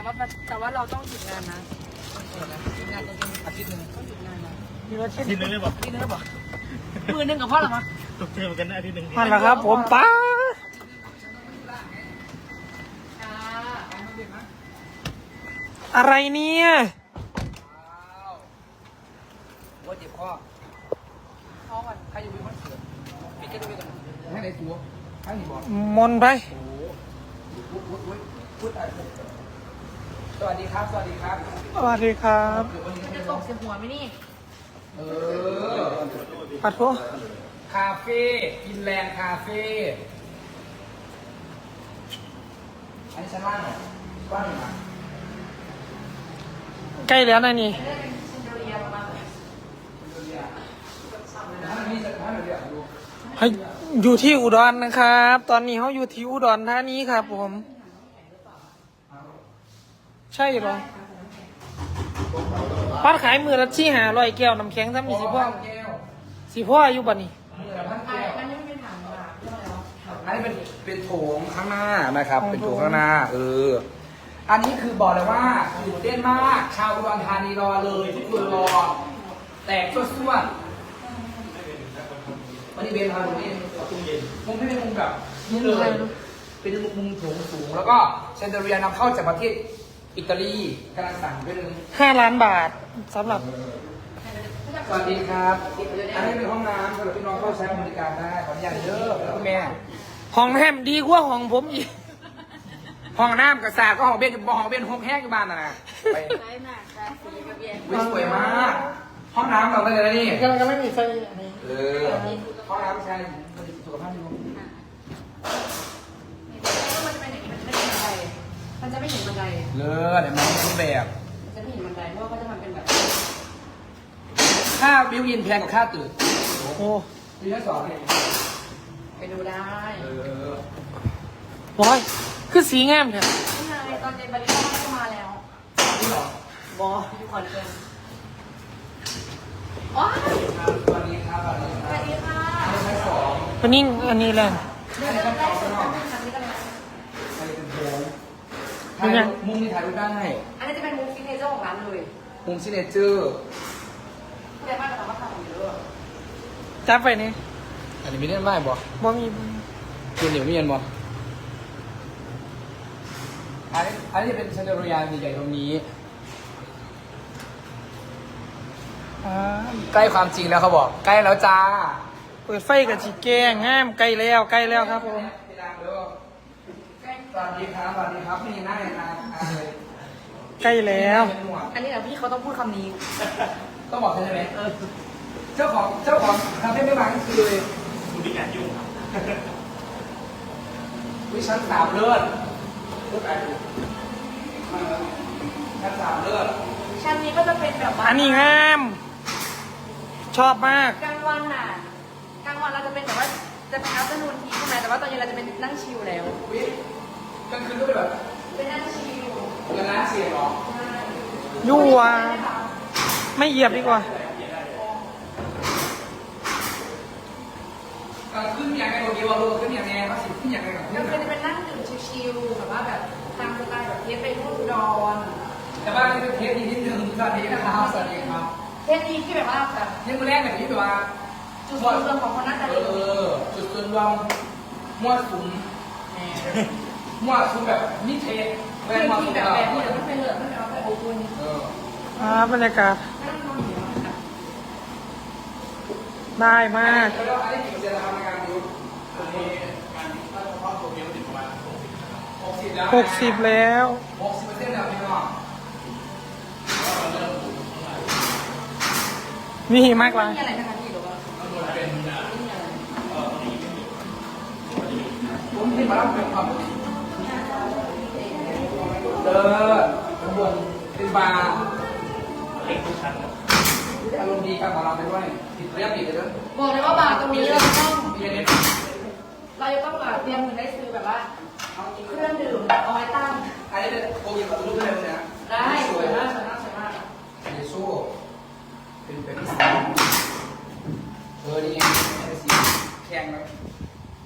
ว่าเราต้องหยุดงานนะหยุดงานจริงๆอาทิตย์หนึ่งต้องหยุดงานนะมีอาทิตย์ทีนึงเลยบอกอาทิตย์นึงเลยบอกมือหนึ่งกับพ่อหรอมะตกใจเหมือนกันนะทีนึงนั่นแหละครับผมป้าอะไรเนี่ยว่าเจ็บข้อข้อมันใครอยู่มีคอนเสิร์ตปิดแค่ตรงนี้ก่อนให้ไหนตัวให้หนีบอกมนไปสวัสดีครับสวัสดีครับสวัสดีครับจะตกเสียหัวไหมนี่ปัดโทคาเฟ่กินแลนด์คาเฟ่อันนี้ชั้นล่างเหรอกว้างอยู่นะใกล้แล้วนะนี่ให้อยู่ที่อุดรนะครับ ตอนนี้เขาอยู่ที่อุดรธานีครับผม ใช่หรอปัดขายมือละที่500 แก้วน้ำแข็งถ้ามีสิพ่ออยู่บ้านนี้อันนี้เป็นโถงข้างหน้านะครับ เป็นโถงข้างหน้าอันนี้คือบอกเลยว่าตื่นเต้นมากชาวอุดรธานีรอเลยทุกคนรอแตกตัวส่วนวันนี้เบนทำตรงนี้มุมที่เป็นมุมแบบนี่เลยเป็นมุมโถงสูงแล้วก็เชนเดอเรียนำเข้าจากประเทศอิตาลีกำลังสั่งด้วยนึง 5 ล้านบาทสำหรับสวัสดีครับอันนี้เป็นห้องน้ำสำหรับพี่น้องเข้าใช้บริการได้ขออนุญาตเยอะแล้วก็แม่ห้องแฮมดีกว่าห้องผมอีกห้องน้ำกับสาก็ห้องเบนห้องเบนห้องแห้งอยู่บ้านนะไปสวยมากห้องน้ำเราได้เลยนะนี่ก็ไม่มีไฟอันนี้ห้องน้ำใช้สุขภาพดีมันจะไม่เห็นบันไดเลิศเดี๋ยวมันรูปแบบมันจะไม่เห็นบันไดเพราะว่าเขาจะทำเป็นแบบค่าบิวอินแพงกว่าค่าตื่นโอ้มีทั้งสองไปดูได้บอยคือสีงามเถอะนี่ไงตอนเจนบริษัทก็มาแล้วนี่หรอบออยู่คอนเทนต์อ๋อสวัสดีครับสวัสดีคสรัวับสดีค่ะชั้นสองวันนี้อันนี้แหละได้ได้ได้สุดทำเป็นครั้งนี้กันเลยใครเป็นโถงถ่ายมุมนี้ถ่ายรูปได้อันนี้จะเป็นมุมฟิตเนสเจอร์ของร้านเลยมุมซิเนเจอร์ผู้ใหญ่บ้านจะทำว่าทำเยอะจับไปนี่อันนี้ไม่ได้ไหมบ่บ่มีคุณเหนียวเมียนบ่อันนี้จะเป็นเชนเดอร์ยานใหญ่ๆตรงนี้ ใกล้ความจริงแล้วเขาบอก ใกล้แล้วจ้าเปิดไฟกับจีแกงงามใกล้แล้วครับผมสวัสดีครับสวัสดีครับนี่หน้าเลยนะใกล้แล้วอันนี้แหละพี่เขาต้องพูดคำนี้ต้องบอกใช่ไหมเจ้าของคาเฟ่ไม่มาก็คือเลยคุณพี่แอนยุ่งวิชั้น3เลิศชั้น3เลิศชั้นนี้ก็จะเป็นแบบว่าอันนี้งาม ชอบมากกลางวันน่ะกลางวันเราจะเป็นแบบว่าจะเป็นอัพเดอร์นูนทีใช่ไหมแต่ว่าตอนเย็นเราจะเป็นนั่งชิลแล้ววิกลางคืนก็เป็นแบบเป็นนั่งชิลเงินล้านเสียหรอยั่วไม่เหยียบดีกว่าขึ้นอย่างไรโอเคว่าขึ้นอย่างไรเขาสิขึ้นอย่างไรกับก็ขึ้นจะเป็นนั่งดื่มชิลๆแบบว่าแบบตามสไตล์แบบเทปไปรุ่นดอนแต่ว่านี่เป็นเทปนี้นิดนึงสวัสดีนะครับสวัสดีครับเทปนี้ที่แบบว่าแบบยังมาแรกแบบนี้แบบว่าจุดส่วนรวมของคนน่าจะดีจุดส่วนรวมมั่วสุมแบบนิเทศคือที่แบบแบบนี้เดี๋ยวมันไปเหลือมันเอาไปโอ้คุณบรรยากาศนั่งนอนอยู่ได้มากแล้วอันนี้กี่เปอร์เซ็นต์ทำงานอยู่อันนี้การถ้าเฉพาะตัวเดียวถึงประมาณ60แล้ว 60แล้ว 60%แล้วพี่น้องมีหิมากเลยมีอะไรนะคะพี่หรือว่าผมที่มาเล่าเป็นความข้างบนเป็นบาร์เล็กทุกชั้นอารมณ์ดีกับเราไปด้วยผิดเรียบผิดเลยด้วยบอกเลยว่าบาร์ตรงนี้เราจะต้องมีอะไรเราจะต้องแบบเตรียมเงินได้ซื้อแบบว่าเครื่องดื่มเอาไว้ตั้งอันนี้เป็นโอเคกับรูปเลยนะได้สวยมากสวยมากสวยมากเยซูเป็นแบบที่สีนี่ไงเป็นสีแข็งแล้ว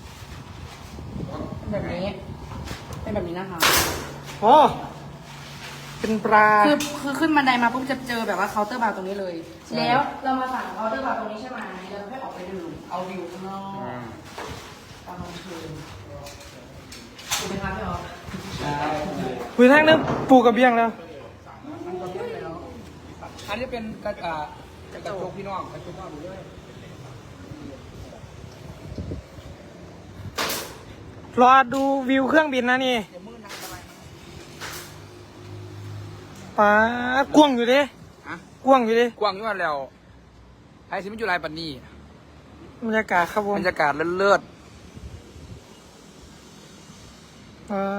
แบบนี้เป็นแบบนี้นะคะโอ้เป็นปลาคือขึ้นบันไดมาปุ๊บจะเจอแบบว่าเคาน์เตอร์บาร์ตรงนี้เลย แล้วเรามาสั่งเคาน์เตอร์บาร์ตรงนี้ใช่ไหมแล้วค่อยออกไปดื่มเอาวิวข้างนอกตอนกลางคืนถูกไหมคะพี่ออฟใช่คุยทางนึงปูกระเบียงแล้วอันนี้เป็นกระจกพี่น้องกระจกพี่น้องดูด้วยรอดูวิวเครื่องบินนะนี่ปลากว้างอยู่ดิฮะกว้างอยู่ดิกว้างอยู่ว่าแล้วไอ้สิมันอยู่ไรปันนี่บรรยากาศครับผมบรรยากาศเลิศปลา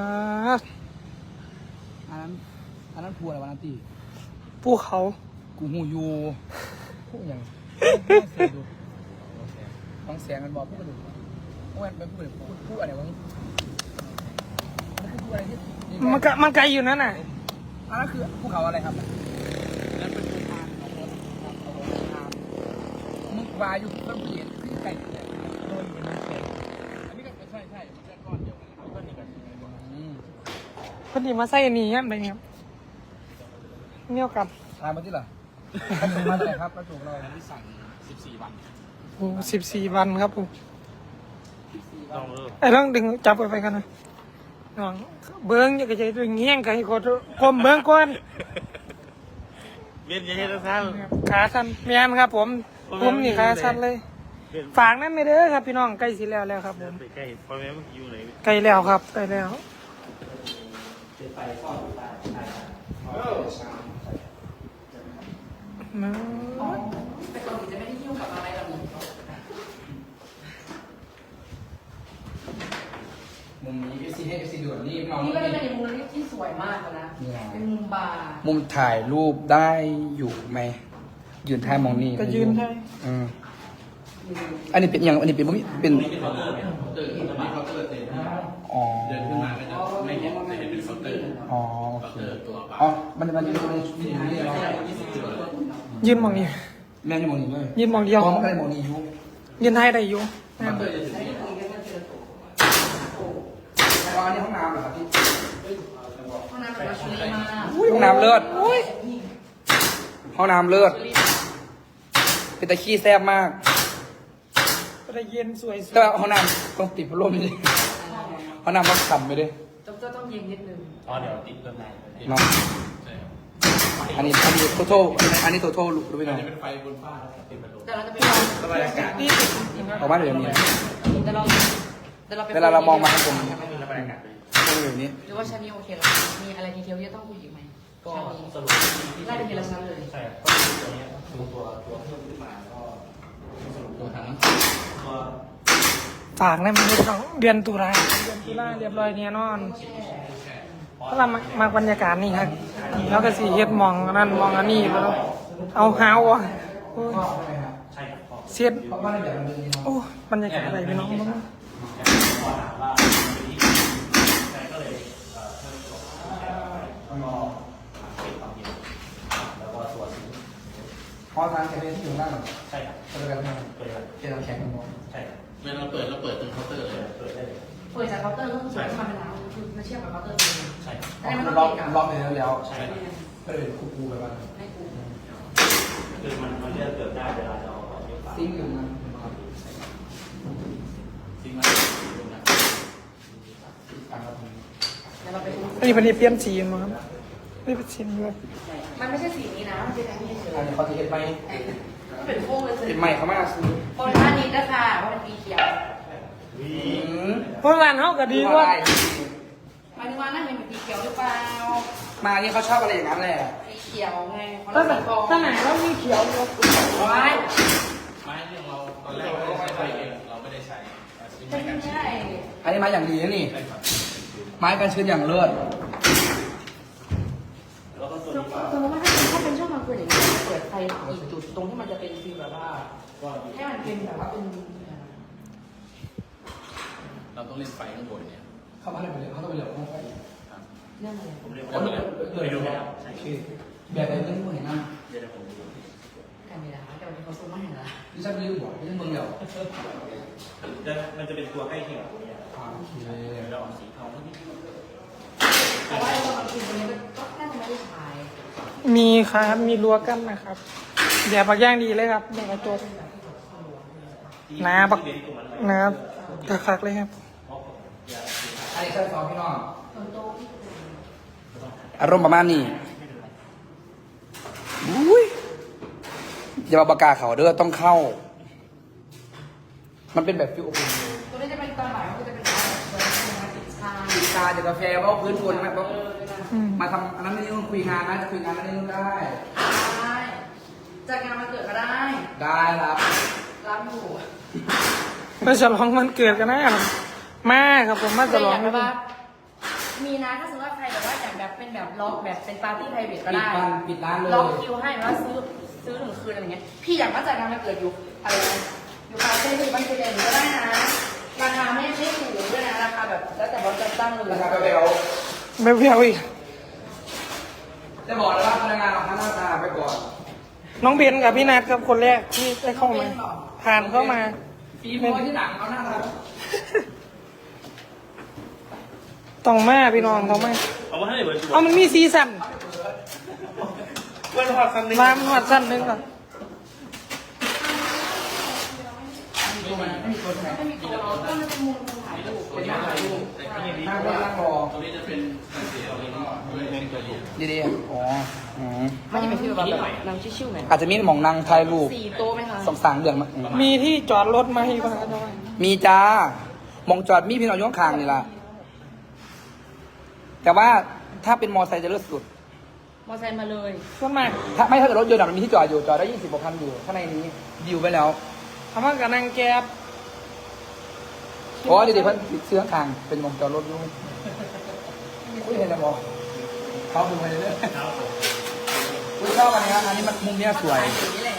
อันนั้นพูอะไรวะนันตีภูเขากูหูยูพูดอย่างฟังเสียงมันบอกพูดกระดูกพูดอะไรพูดอะไรวะพูดอะไรที่มันไกลอยู่นั่นน่ะอันนั้นคือภูเขาอะไรครับนั่นเป็นภูพานของรถครับของรถทางมึกวาอยู่ต้นเปลี่ยนขึ้นไกลเลยโดนเป็นน้ำแข็งอันนี้ก็ใช่มันจะก้อนเดียวกันก้อนนี้กันพอดีมาใส่อันนี้ยันไปครับเนี่ยกันทานมาที่เหรอถ้าถูกมาเลยครับก็ถูกเราที่สั่ง14 วันโอ้14 วันครับผมต้องเลิกไอ้เรื่องดึงจับไปกันนะน้องเบิ้งอย่าใจดึงเงี้ยงกันให้กดกลมเบิ้งก่อนเวียนยังไงนะท่านขาสั้นเมียนครับผมนี่ขาสั้นเลย ฝากนั่นไม่เด้อครับพี่น้องใกล้สิแล้วครับผมไปใกล้พ่อแม่มันอยู่ไหนใกล้แล้วครับใกล้แล้วมาแต่ก่อนจะไม่ได้ยุ่งกับอะไรแบบนี้มุมนี้ FC ด่วนนี่น้องนี่ก็จะเป็นมุมที่สวยมากเลยนะ เป็นมุมบาร์มุมถ่ายรูปได้อยู่ไหมยืนท่ามองนี่ก็ยืนได้อันนี้เป็นอย่างอันนี้เป็นเป็นอ๋อเดินขึ้นมาก็จะไม่เห็นจะเห็นเป็นเคาน์เตอร์อ๋อโอเคอ๋อมันจะอยู่ในนี่เนาะยืนมองนี่แม่จะมองนี่เลยยืนมองเดียวพร้อมกันมองนี่อยู่ยืนให้ได้อยู่แล้วอันนี้ห้องน้ำเหรอครับพี่ห้องน้ำแบบลักชัวรี่มากห้องน้ำเลิศห้องน้ำเลิศเป็นตะขี้แซ่บมากก็ได้เย็นสวยแต่ว่าห้องน้ำต้องติดพัดลมนี่ห้องน้ำต้องขำไปด้วยต้องเย็นนิดนึงอ๋อเดี๋ยวติดเพิ่มได้เนาะอันนี้โทโทอันนี้โทโทรู้ไหมน้องแต่เราจะไปบรรยากาศนี่ออกมาเดี๋ยวนี้แต่เราไปเวลาเรามองมาข้างบนบรรยากาศก็เป็นแบบนี้หรือว่าชั้นนี้โอเคแล้วมีอะไรดีเทลที่ต้องคุยอีกไหมก็ชั้นนี้สรุปไล่ไปทีละชั้นเลยใช่ก็ตัวนี้ดูตัวเพิ่มขึ้นมาก็สรุปตัวทั้งตัวฝากนะมันเดือนตุลาเรียบร้อยเนี่ยนอนเพราะเรามาบรรยากาศนี่ครับแล้วก็สีเฮ็ดมองนั่นมองอันนี้แล้วเอาหาวอ่ะโอ้ยใช่ครับพอเสียดเพราะว่าเดี๋ยวมันเป็นโอ้บรรยากาศอะไรพี่น้องบ้างพอถามว่าใช่ก็เลยเพิ่มตัวแล้วก็เก็บความเย็นแล้วก็ตัวซิงค์พอทางแคเฟ่ที่อยู่ด้านหลังใช่ครับก็เลยกันเปิดเลยเจอน้ำแข็งกันหมดใช่ครับเวลาเราเปิดตรงเคาน์เตอร์เลยเปิดได้เลยเปิดจากเคาน์เตอร์ก็คือสวยขึ้นมาเป็นร้านคือมาเทียบกับเคาน์เตอร์เลยใช่ครับแต่ไม่ต้องล็อกเกะกะล็อกไปแล้วใช่ครับก็เลยคูไปบ้างให้กูคือมันเลือกเกิดได้เวลาจะเอาของเยอะฝากซิงค์อยู่นะจริงไหมต่างกันตรงนี้เดี๋ยวเราไปดูอันนี้เป็นเปลี่ยนสีมาครับไม่เป็นสีเลยมันไม่ใช่สีนี้นะมันเป็นอันนี้เฉยอันนี้เขาจะเห็นไหมมันเป็นโค้งเลยเห็นไหมเขามาซื้อโคนท่านี้นะคะเพราะมันสีเขียวเพราะร้านเขาก็ดีกว่าหมายถึงว่านั่นเป็นสีเขียวหรือเปล่ามานี่เขาชอบอะไรอย่างนั้นแหละสีเขียวไงเขาถ้าเรียกสีทองถ้าไหนเรามีเขียวอยู่ไว้ไม้เรื่องเราตอนแรกเราไม่ได้ใช้เองเราไม่ได้ใช้ใช้ไม่กันใช่อันนี้ไม้อย่างดีนะนี่ ไม้กันชื้นอย่างเลิศแล้วก็ตัวสมนี้มติว่าถ้าเป็นช่วงกลางคืนอย่างนี้จะเปิดไฟกี่จุดตรงที่มันจะเป็นฟีลแบบว่าให้มันเป็นแบบว่าเป็นเราต้องเล่นไฟข้างบนเนี่ยเข้ามาเลยเขาต้องไปเหลือห้องไฟเรื่องอะไรผมเรียกแล้วว่ามันเลยแล้วโอเคแบบไหนเรื่องพวกเห็นหน้าเดี๋ยวผมดูกันเวลาแต่วันนี้เขาซูมไม่เห็นละดิฉันลืมบอกดิฉันเมืองเดียวมันจะเป็นตัวใกล้เคียงกับตัวนี้โอเคเดี๋ยวเราเอาสีทองที่เพราะว่าตอนกลางคืนวันนี้ก็น่าจะไม่ได้ใช้มีครับมีรั้วกั้นนะครับเดี๋ยวปักย่างดีเลยครับเดี๋ยวกระจกน้าปักน้าคักๆเลยครับอันนี้ชั้นสองพี่น้องอารมณ์ประมาณนี้อุ้ยอย่ามาปากกาเขาเด้อต้องเข้า มันเป็นแบบฟิวอบอุ่นตัวนี้จะเป็นตอนบ่ายก็จะเป็นตอนเปิดมาติดชาติดตาจากกาแฟว่าพื้นคนไหมเพราะอืมมาทำอันนั้นนี่ต้องคุยงานนะจะคุยงานอันนี้ต้องได้ได้จัดงานวันเกิดก็ได้ได้ครับรับอยู่เพื่อฉลองวันเกิดกันนะครับมาครับผมมาฉลองแต่ยากแบบว่ามีนะถ้าสมมติว่าใครแบบว่าอยากแบบเป็นแบบล็อกแบบเป็นปาร์ตี้ไพรเวทก็ได้ปิดร้านเลยล็อกคิวให้ว่าซื้อหนึ่งคืนอะไรเงี้ยพี่อยากมาจัดงานวันเกิดอยู่อะไรนะอยู่คาเฟ่ที่บ้านเจเดนก็ได้นะราคาไม่ถูกด้วยนะราคาแบบแล้วแต่บอสจะตั้งเลยราคาเบลไม่เพียวอีกจะบอกเลยว่าพนักงานเราทั้งหน้าตาไปก่อนน้องเบนกับพี่นัทครับคนแรกที่ได้เข้ามาผ่านเข้ามาฝีมือที่หนังเขาหน้าตาต้องมาพี่น้องต้องมาเอามาให้เหมือนตัวเอามันมีซีซั่นเพื่อนพอสันนึงรามหอดสั้นหนึงก่อนไม่มีตัวไหนไม่มีตัวเราก็มันเป็นมุมถ่ายรูปเป็นหน้าถ่ายรูปนั่งรอนั่งรอตรงนี้จะเป็นเสียงนี้เล่นตัวถูกดีๆอ๋ออืมมันจะเป็นฟีลแบบนางชิวๆหน่อยอาจจะมีหมองนั่งถ่ายรูป 4 โต๊ะไหมคะสองสางเดือนมามีที่จอดรถมาให้ป่ะครับมีจ้ามองจอดมีพี่น้องอยู่ข้างๆนี่ล่ะแต่ว่าถ้าเป็นมอไซค์จะเลิศสุดมอไซค์มาเลยส่วนมากถ้าเกิดรถยนต์อะมันมีที่จอดอยู่จอดได้20 กว่าคันอยู่ข้างในนี้ดิวไปแล้วคำว่ากับนางแก๊บอ๋อเดี๋ยวเพิ่นติดเสื้อข้างเป็นมองจอดรถอยู่อุ้ยเห็นแล้วบอกเขาดูไปเรื่อยๆอุ้ยชอบอันนี้อันนี้มันมุมเนี้ยสวยอย่างนี้แหละ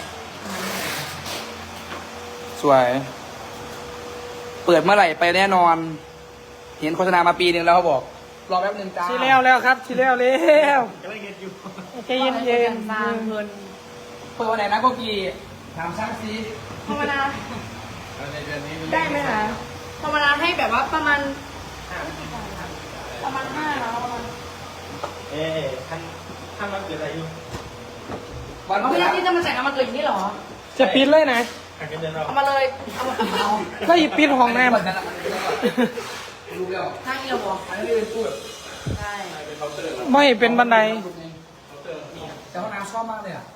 สวย เปิดเมื่อไหร่ไปแน่นอน เห็นโฆษณามาปีหนึ่งแล้วเขาบอก รอแป๊บหนึ่งจ้าทีแล้วครับทีแล้วจะไม่เงินอยู่ใจเย็นเย็นสร้างเงินเปิดวันไหนนะโกกีถามช่างซีภาวนาในเดือนนี้ได้ไหมคะภาวนาให้แบบว่าประมาณ5แล้วประมาณท่านมาเกิดอะไรอยู่วันเอาเมื่ไม่อได้ที่จะมาแต่งงานมาเกิดอย่างนี้เหรอจะปิดเลยนะหักเงินเดือนเราเอามาเลยเอามาเอาก็หยิบปิดห้องน้วันนั้นรู้แล้วข้างนี้เราบอกอันนี้เป็นพูดใช่ำไม่เป็นบันไดแต่ห้องน้ำชอบมากเลยอ่ะ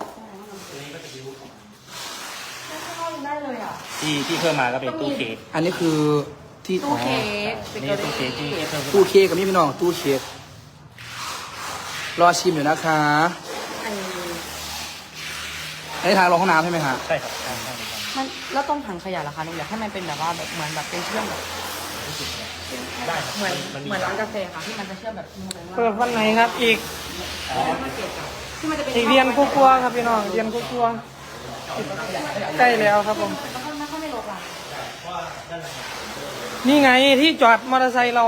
เข้าได้เลยอ่ะที่เพิ่มมาก็เป็นตู้เค้กอันนี้คือที่ตู้เค้กเบนี่เกอตู้เค้กที่รี่เพิ่มตู้เค้กกับนี่พี่น้องตู้เค้กรอชิมอยู่นะคะอันนี้อันนี้ทางลงห้องน้ำใช่ไหมฮะใช่ครับใช่มันแล้วต้องถังขยะเหรอคะหนูอยากให้มันเป็นแบบว่าแบบเหมือนแบบเป็นเชื่อมแบบได้ครับเหมือนร้านกาแฟค่ะที่มันจะเชื่อมแบบมือเลยว่าเปิดวันไหนครับ อีกที่มันจะเป็นอีกเรียนกลัวๆครับพี่น้องเรียนกลัวๆใกล้แล้วครับผมมันก็ไม่ลดละนี่ไงที่จอดมอเตอร์ไซค์เรา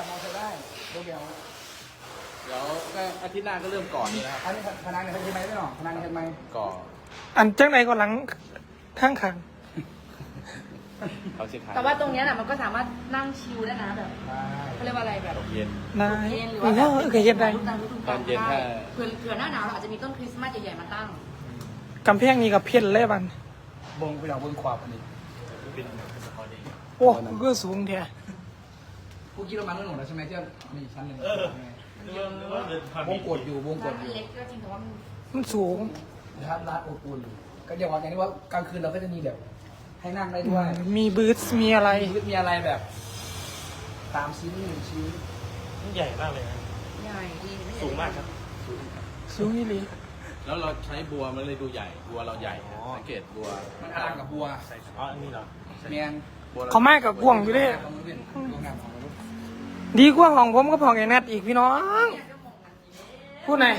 เดี๋ยวก็อาทิตย์หน้าก็เริ่มก่อนนี่นะครับอันนี้พนังเห็นไหมพี่น้องพนังเห็นไหมก่อนอันจังไหนก็หลังข้างขังเขาเช็คท้ายแต่ว่าตรงเนี้ยน่ะมันก็สามารถนั่งชิลได้นะแบบเขาเรียกว่าอะไรแบบเย็นนายเย็นหรือเอว่าแบบอเคยเห็นได้รูปตามฤดูตกาอลนเย็นได้ถ้าเผื่อหน้าหนาวเราอาจจะมีต้นคริสต์มาสใหญ่ๆมาตั้งกำแพงนี่กับเพี้ยนเลยบันบงพี่น้องบงขวบอันนี้โอ้ก็สูงแท้กูคิดว่ามันเรื่องหมดแล้วใช่ไหมที่มีชั้นหนึ่ง วงกดอยู่วงกร้าดนอยู่เล็กก็จริงแต่ว่ามันมันสูงนะครับร้านอบอุ่นก็อย่างว่าอย่างนี้ว่ากลางคืนเราก็จะมีแบบ ให้นั่งได้ด้วยมีบูธมีอะไรมีอะไรแบบ3 ชิ้น1 ชิ้นใหญ่มากเลยนะใหญ่ดีไม่ใหญ่สูงมากครับสูงอีหลีแล้วเราใช้บัวมันเลยดูใหญ่ บัวเราใหญ่สังเกตบัวมันอลังกับบัวอ๋ออันนี้เหรอแมนบัวเขามากกับกวางอยู่เด้ของมันเป็นโรงงานของมันดีกว่าของผมก็ของไอ้นัดอีกพี่น้องพูดไหน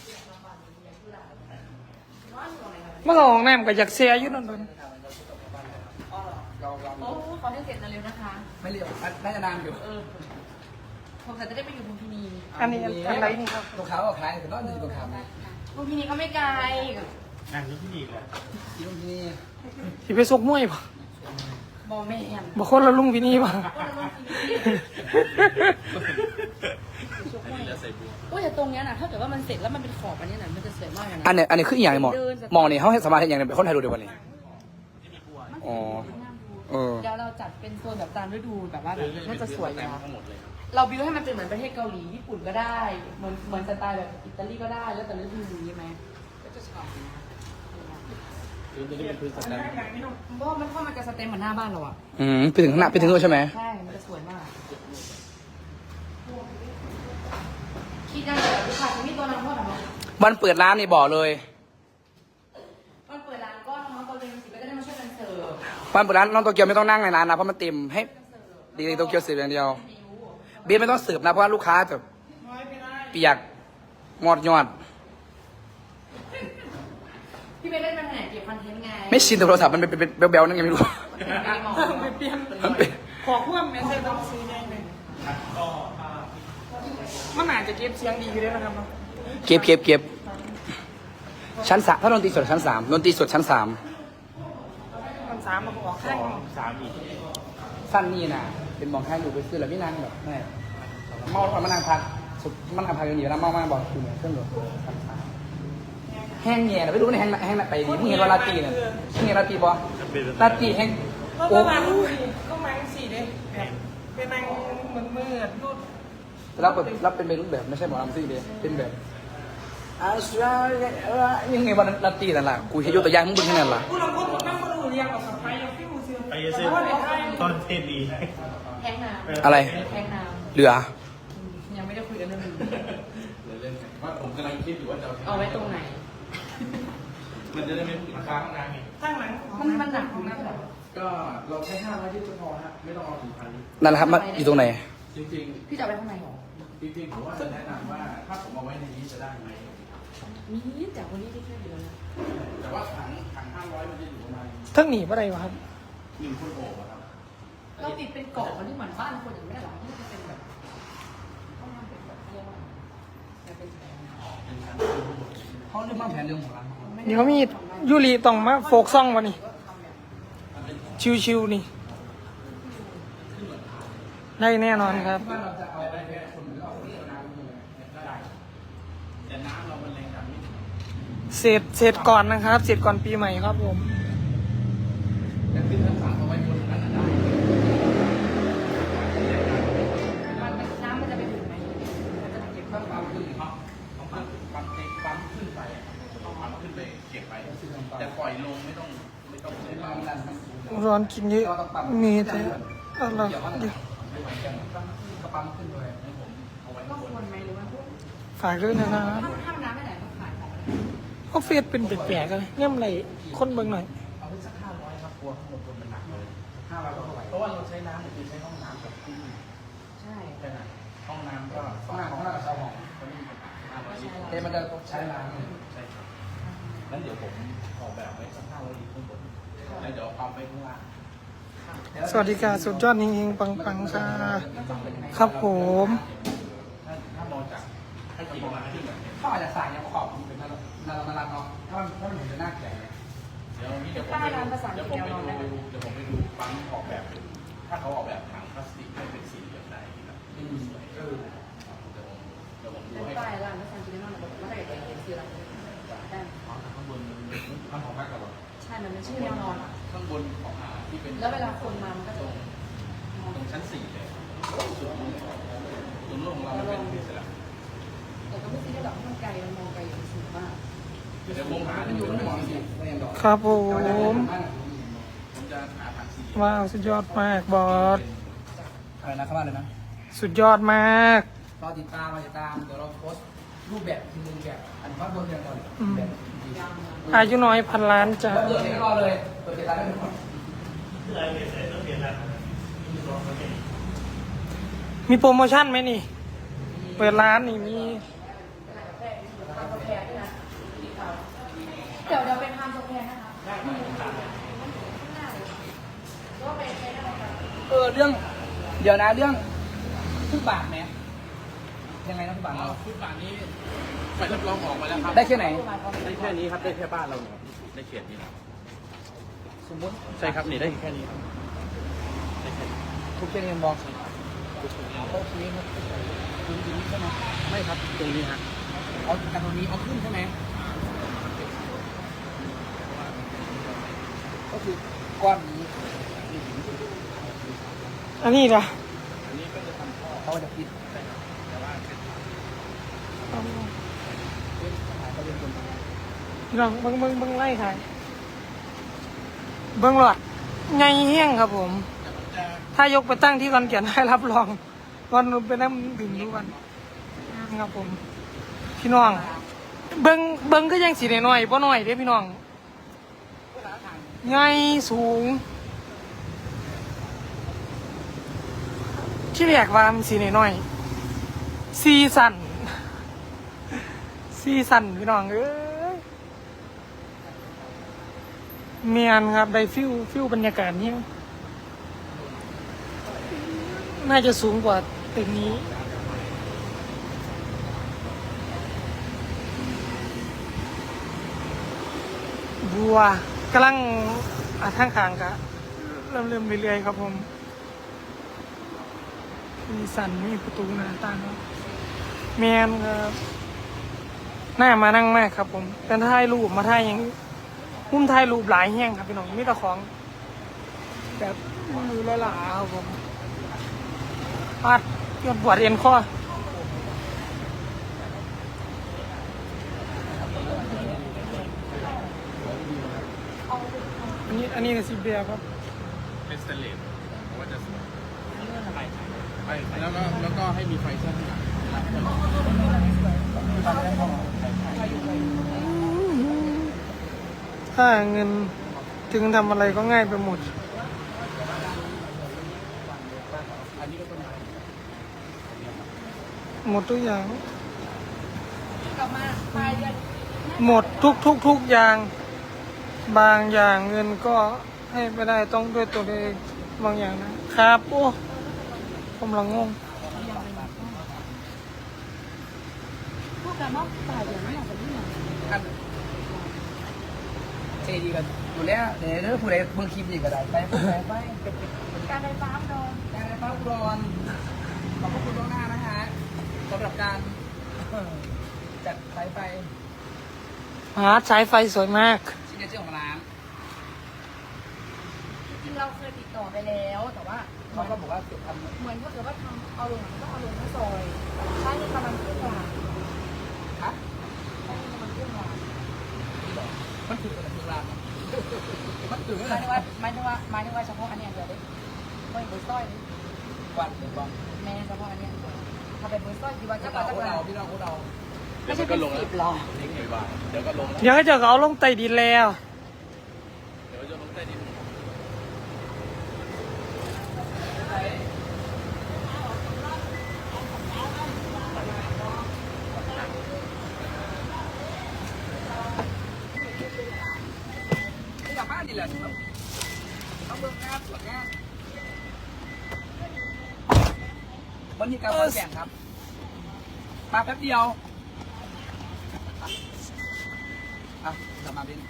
เมื่อของน้ำกับอยากเสียอยู่นั่นเลยเราโอ้ขอให้เสร็จเร็วๆนะคะไม่เรียกน่าจะนานอยู่ผมจะได้ไปอยู่ลุมพินีอันนี้อันไหนนี่ครับลูกค้าก็ขายแต่ก็จะลูกค้าไหมลุมพินีก็ไม่ไกลนั่งที่ดีเลยที่นู่นที่นี่ที่ไปซกมวยป่ะบอแม่นบอกคนละลุงพี่นี่ป่ะก็เลยลุมพินีเหลือจะใส่บัวโอ้ยแต่ตรงเนี้ยนะถ้าเกิดว่ามันเสร็จแล้วมันเป็นขอบอันนี้นะมันจะสวยมากเลยนะอันนี้คืออีกอย่างหนึ่งมองนี่เขาให้สมาธิอย่างหนึงเป็นคนไทยดูเดี๋ยววันนี้ อ๋อ เออเดี๋ยวเราจัดเป็นโซนแบบตามฤดูแบบว่าแบบน่าจะสวยเต็นะมทั้งหมดเลยครับเราบิวให้มันเป็นเหมือนประเทศเกาหลีญี่ปุ่นก็ได้เหมือนสไตล์แบบอิตาลีก็ได้แล้วแต่ฤดูใช่ไหมก็จะชอบนะพื้นตัวนี้เป็นพื้นสแตนเพราะว่ามันจะสเต็มเหมือนหน้าบ้านเราอ่ะไปถึงข้างหน้าไปถึงนู้นใช่ไหมใช่มันจะสวยมากคิดยังไงลูกค้าจะมีตัวน้ำพ่อหรอวันเปิดร้านนี่บอกเลยมันเปิดร้านก็น้องตัวเองสิก็จะได้มาช่วยกันเสิร์ฟวันเปิดร้านน้องโตเกียวไม่ต้องนั่งในร้านนะเพราะมันเต็มให้ดีโตเกียวเสิร์ฟอย่างเดียวเบียร์ไม่ต้องเสิร์ฟนะเพราะว่าลูกค้าจะเปียกงอดยอดพี่ไปเล่นมันไหนเก็บคอนเทนต์ไงไม่ชินแต่โทรศัพท์มันเป็นเบลๆนั่นไงไม่รู้ไปเปลี่ยนมันเป็นขอพ่วงแมสเซจต้องซื้อแน่เลยมันอาจจะเก็บเสียงดีอยู่ด้วยนะครับเนาะเก็บชั้นสามถ้าดนตรีสดชั้นสามดนตรีสดชั้นสามมันสามมาออกข้าง 3 อีกสั้นนี่นะเป็นมองข้างอยู่ไปซื้อแล้วไม่นั่งแบบแม่เมาแล้วมันนั่งพักสุดมันนั่งพักกันอยู่แล้วเมามากบอกคือเนี่ยเครื่องรถชั้นสามแห้งแง่ไม่รู้ในแห้งไปดิมึงเห็นว่าลาตีเนี่ยมึงเห็นลาตีบอลาตีแห้งก็โอ้ประมาณนี้ก็มังสี่เด้แบบเป็นนางมืดรูดรับเป็นรูปแบบไม่ใช่หมอลำซิ่งเดียเป็นแบบยังไงวันลาตีนั่นแหละกูเห็นยกตัวอย่างมึงเป็นแค่นั้นล่ะผู้ลงโทษนั่งมาดูเรียงออกกับไฟยังฟิวเสือไปเยอะสิตอนเทศดีแทงน้ำอะไรแทงน้เหลือำยังไม่ได้คุยกันเรื่องนี้เล่นๆว่าผมกำลังคิดอยู่ว่าจะเอาไว้ตรงไหนมันจะได้ไม่ผิดค้างนานไงข้างหลังมันหนักของน้ำแบบก็เราใช้500ที่จะพอฮะไม่ต้องเอาถึงพันลิตรนั่นแหละครับมันอยู่ตรงไหนจริงพี่จะเอาไว้ข้างในหรอๆจริงๆผมว่าจะแนะนำว่าถ้าผมเอาไว้ในนี้จะได้ไหมมีจากวันนี้ที่ช่วยเหลือนะแต่ว่าถัง500มันจะอยู่ประมาณเท่งหนีอะไรวะครับ 1 คนโอบอะครับเราติดเป็นเกาะมันที่เหมือนบ้านคนอย่างไม่ได้หรอที่จะเป็นแบบต้องทำเป็นแบบเรียกว่าจะเป็นแผนเขาเรื่องบ้างแผนเรื่องของร้านเดี๋ยวมียูรีต้องมาโฟกซ่องวันนี้ชิวๆนี่ได้แน่นอนครับบ้านเราจะเอาอะไรแค่คนหรือเอาน้ำมือได้แต่น้ำเรามันแรงดันไม่ถึงเสร็จก่อนนะครับ เสร็จก่อนปีใหม่ครับผมแต่ขึ้นทั้ง3เอาไว้บนนั้นน่ะได้น้ำมันจะไปถึงไหมมันจะเก็บต้องปั๊มขึ้นเนาะต้องปั๊มขึ้นไปต้องปั๊มขึ้นไปเก็บไปแต่ปล่อยลงไม่ต้องใช้ปั๊มร้อนกินเยอะมีแต่อะไรเดี๋ยวกระปั๊มขึ้นเลยก็ควรไหมหรือว่าฝากด้วยนะครับถ้าน้ำไม่ไหนก็ขายของออฟฟิศเป็นแปลกๆเลยเงี้ยอะไรคนเบิ่งหน่อยเอาไปสัก500ครับกลัวข้างบนคนมันหนักเลย500ก็เท่าไหร่เพราะว่าเราใช้น้ำเนี่ยคือใช้ห้องน้ำกับที่ใช่แค่นั้นห้องน้ำก็ห้องน้ำกับชาวห้องก็ไม่มีปัญหา500ลิตรเอ๊ะมันจะใช้น้ำใช่ครับงั้นเดี๋ยวผมออกแบบไว้สัก500ลิตรข้างบนแล้วเดี๋ยวเอาปั๊มไปข้างล่างสวัสดีค่ะสุดยอดจริงๆปังๆค่ะครับผมถ้ามองจากให้กี่ประมาณที่แบบเขาอาจจะสั่งยังขอบมันเป็นนารักเนาะถ้ามันเห็นจะน่าแก่เดี๋ยวนี้เดี๋ยวผมไปดูปั๊มออกแบบถ้าเขาออกแบบถังพลาสติกให้เป็นสี่เหลี่ยมได้ครับสวยเดี๋ยวผมดูเป็นให้ป้ายร้านภาษาจีนนั่นแหละว่าถ้าเกิดเป็นซื้อร้านได้ข้างบนมันของพักกับใช่มันเป็นชื่อแนวนอนข้างบนของที่เป็นแล้วเวลาคนมามันก็จะตรงชั้น4เลยส่วนนู้นของเราเป็นอิสระแต่ก็ไม่ใช่แบบมันไกลมันมองไกลอย่างสูงมากเดี๋ยวผมหามันอยู่ไม่หมอนสิครับผมผมจะหาถังสี่ว้าวสุดยอดมากบอสอะไรนะเข้ามาเลยนะสุดยอดมากรอติดตามเดี๋ยวเราโพสรูปแบบทีนึงแบบอันว่าบนเรียนก่อนแบบอายุน้อยพันล้านจ้ะเปิดให้รอเลยเปิดติดตามได้ทุกคนมีโปรโมชั่นไหมนี่ เปิดร้านนี่มีเดี๋ยวเป็นทำโซแพนนะคะเรื่องเดี๋ยวนะเรื่องทุกบาทไหมยังไงนะทุกบาทฟุตบาทนี้ไปทดลองออกมาแล้วครับได้แค่ไหนได้แค่นี้ครับ ได้แค่บ้านเราเนี่ยได้เขตนี้สมมติใช่ครับนี่ได้แค่นี้ครับได้แค่นี้ทุกเชียงยังบอกโอเคครับตรงนี้ใช่ไหมไม่ครับตรงนี้ฮะเอาแต่ตรงนี้เอาขึ้นใช่ไหมก็คือก้อนนี้อันนี้ล่ะเขาจะปิดพี่น้องเบิ่งไล่ถ่ายเบิ่งหลอดไงเฮี้ยงครับผม ถ้ายกไปตั้งที่คอนแก่นให้รับรองวันนู้นไปนั่งดื่มทุกวันครับผม พี่น้อง เบิ่งก็ยังสีน้อยๆบ่น้อยเด้พี่น้องไงสูง ที่เรียกว่ามันสีน้อยๆซีสันพี่น้องเอ้ยเมียนครับได้ฟิวบรรยากาศนี้น่าจะสูงกว่าตึกนี้บัวกำลังทางขางกะเริ่มเรื่อยๆครับผมมีสันมีประตูหน้าต่างครับเมียนครับน่ามานั่งมากครับผมเป็นถ่ายรูปมาถ่ายอย่างหุ้มถ่ายรูปหลายแห้งครับพี่น้องมีแต่ของแบบมือละหลาครับผมปัดยอดปวดเอ็นข้ออันนี้กับซีเบียครับเป็นสเตนเลสว่าจะสวยแล้วก็ให้มีไฟเส้นข้างหลังถ้าเงินถึงทำอะไรก็ง่ายไปหมดอันนี้ก็ต้นไม้หมดทุกอย่างกลับมาปลายเดือนหมดทุกอย่าง บางอย่างเงินก็ให้ไม่ได้ต้องด้วยตัวเองบางอย่างนะครับโอ้ผมละงงพวกกันเนาะปลายเดือนนี่อาจจะไม่เหมือนอันเจดีกันอยู่แล้วเดี๋ยวผู้ใดเบิ่งคลิปนี่ก็ได้ไปผู้ใดไปการไฟฟ้าโดนการไฟฟ้าอุดรขอบพระคุณล่วงหน้านะฮะสำหรับการจัดสายไฟสายไฟสวยมากซิกเนเจอร์ของร้านจริงๆเราเคยติดต่อไปแล้วแต่ว่าเขาก็บอกว่าจะทำเหมือนถ้าเกิดว่าทำเอาลงต้องเอาลงทั้งซอยใช้เงินประมาณครึ่งล้านฮะใช้เงินประมาณครึ่งล้านมันถือกันถึงร้านมันถือหกัมาน ยถึงว่าเฉพาะอันเนี้ยเดี๋ยวได้ไม่เบอร์สร้อยวันหนึ่งวันแม่เฉพาะอันเนี้ยถ้าเป็นเบอร์สร้อยกี่วันก็จะเรากว่าจะเรากว่าพี่เราพวกเราไม่ใช่เป็นสิบหรอนี่กี่บาทเดี๋ยวก็ลงแล้วเดี๋ยวจะเอาลงใต้ดินแล้วเดี๋ยวจะลงใต้ดินกลับบ้านดีแหละต้องเบิ่งงานตรวจงานวันนี้การขอนแก่นครับ มาแป๊บเดียวอ่ะกลับมาบิน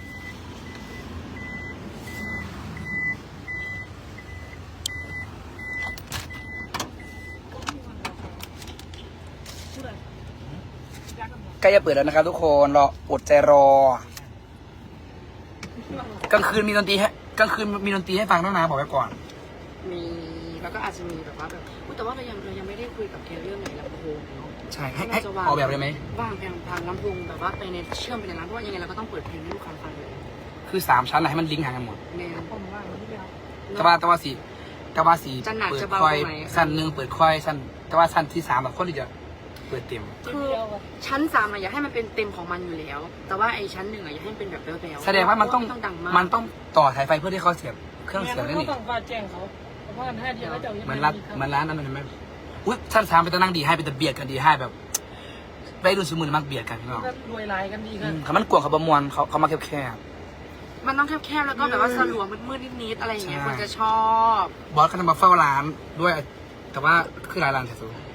ใกล้จะเปิดแล้วนะครับทุกคนรออดใจรอกลางคืนมีดนตรีให้กลางคืนมีดนตรีให้ฟังต้องนะบอกไว้ก่อนมีแล้วก็อาจจะมีแบบว่าแบบแต่ว่าเรายังไม่ได้คุยกับแกเรื่องไหนลำโพงเนาะใช่ให้ออกแบบเลยไหมว่างแผงทางลำโพงแบบว่าไปในเชื่อมไปในร้านเพราะว่ายังไงเราก็ต้องเปิดเพลงให้ลูกค้าฟังเลยคือ3 ชั้นอะไรให้มันลิงก์หากันหมดแม่ผมว่าแต่ว่าสีเปิดค่อยสั้นหนึ่งเปิดค่อยสั้นแต่ว่าสั้นที่3แบบคนที่จะเปิดเต็มคือชั้น3อยากให้มันเป็นเต็มของมันอยู่แล้ว แต่ว่าไอ้ชั้น1อยากให้มันเป็นแบบแบ๊วๆแสดงว่ามันต้องดังมากมันต้องต่อสายไฟเพื่อที่เขาเสียบเครื่องเสียงได้นี่ต้องฟ้าแจ้งเขาเพราะว่าถ้าเดียวก็จะเหมือนร้านนั้นมันไหมอุ้ยชั้น 3เป็นตะนั่งดีให้เป็นตะเบียดกันดีให้แบบไปดูสมุนมักเบียดกันพี่น้องรวยลายกันดีกันเขามันกวงเขาประมวลเขามาแคบมันต้องแคบๆแล้วก็แบบว่าสลัวมืดๆนิดๆอะไรอย่างเงี้ยใช่คนจะชอบๆบอสก็จะมาเฝ้าร้านด้วย แต่ว่าคือหลายร้านแต่สุด